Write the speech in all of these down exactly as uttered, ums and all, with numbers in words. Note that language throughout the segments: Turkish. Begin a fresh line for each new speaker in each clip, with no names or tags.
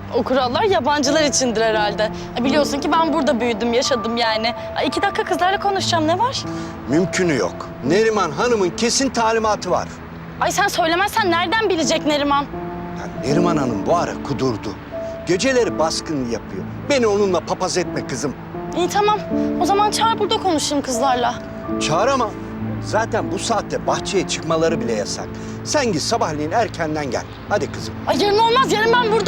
O kurallar yabancılar içindir herhalde. Biliyorsun ki ben burada büyüdüm, yaşadım yani. İki dakika kızlarla konuşacağım, ne var?
Mümkünü yok. Neriman Hanım'ın kesin talimatı var.
Ay sen söylemezsen nereden bilecek Neriman?
Ya Neriman Hanım bu ara kudurdu. Geceleri baskın yapıyor. Beni onunla papaz etme kızım.
İyi tamam. O zaman çağır burada konuşayım kızlarla.
Çağıramam. Zaten bu saatte bahçeye çıkmaları bile yasak. Sen git sabahleyin erkenden gel. Hadi kızım.
Ay yarın olmaz, yarın ben burada...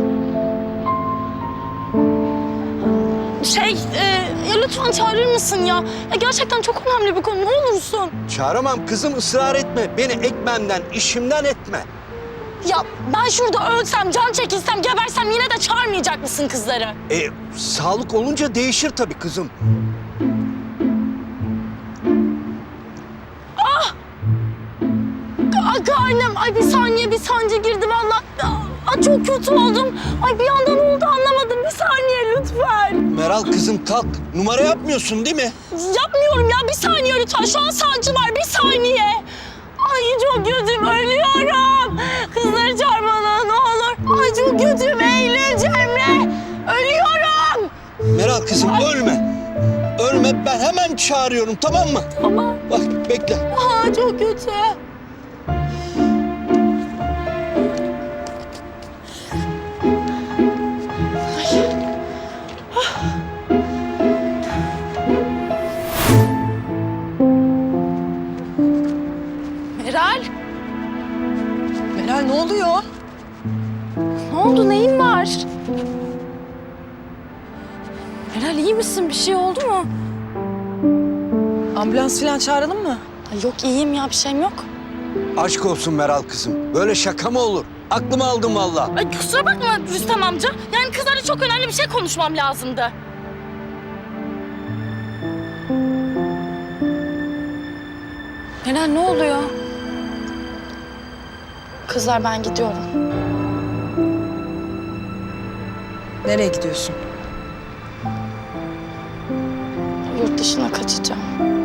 Şey, e, ya lütfen çağırır mısın ya? Ya gerçekten çok önemli bir konu, ne olursun.
Çağıramam kızım, ısrar etme. Beni ekmemden, işimden etme.
Ya ben şurada ölsem, can çekilsem, gebersem yine de çağırmayacak mısın kızları?
E, sağlık olunca değişir tabii kızım.
Ay karnım, ay bir saniye bir sancı girdi vallahi. Ay çok kötü oldum. Ay bir anda ne oldu anlamadım. Bir saniye lütfen.
Meral kızım kalk. Numara yapmıyorsun değil mi?
Yapmıyorum ya, bir saniye lütfen. Şu an sancı var, bir saniye. Ay çok kötüyüm, ölüyorum. Kızları çağır bana ne olur. Ay çok kötüyüm, Eylül, Cemre. Ölüyorum.
Meral kızım Ay. ölme. Ölme, ben hemen çağırıyorum, tamam mı?
Tamam.
Bak bekle.
Aa, çok kötü. Meral.
Meral ne oluyor?
Ne oldu, neyin var? Meral iyi misin? Bir şey oldu mu?
Ambulans falan çağıralım mı?
Ay yok, iyiyim ya, bir şeyim yok.
Aşk olsun Meral kızım. Böyle şaka mı olur? Aklımı aldın vallahi.
Ay kusura bakma Rüstem amca. Yani kızlarla çok önemli bir şey konuşmam lazımdı. Meral ne oluyor? Kızlar ben gidiyorum.
Nereye gidiyorsun?
Yurt dışına kaçacağım.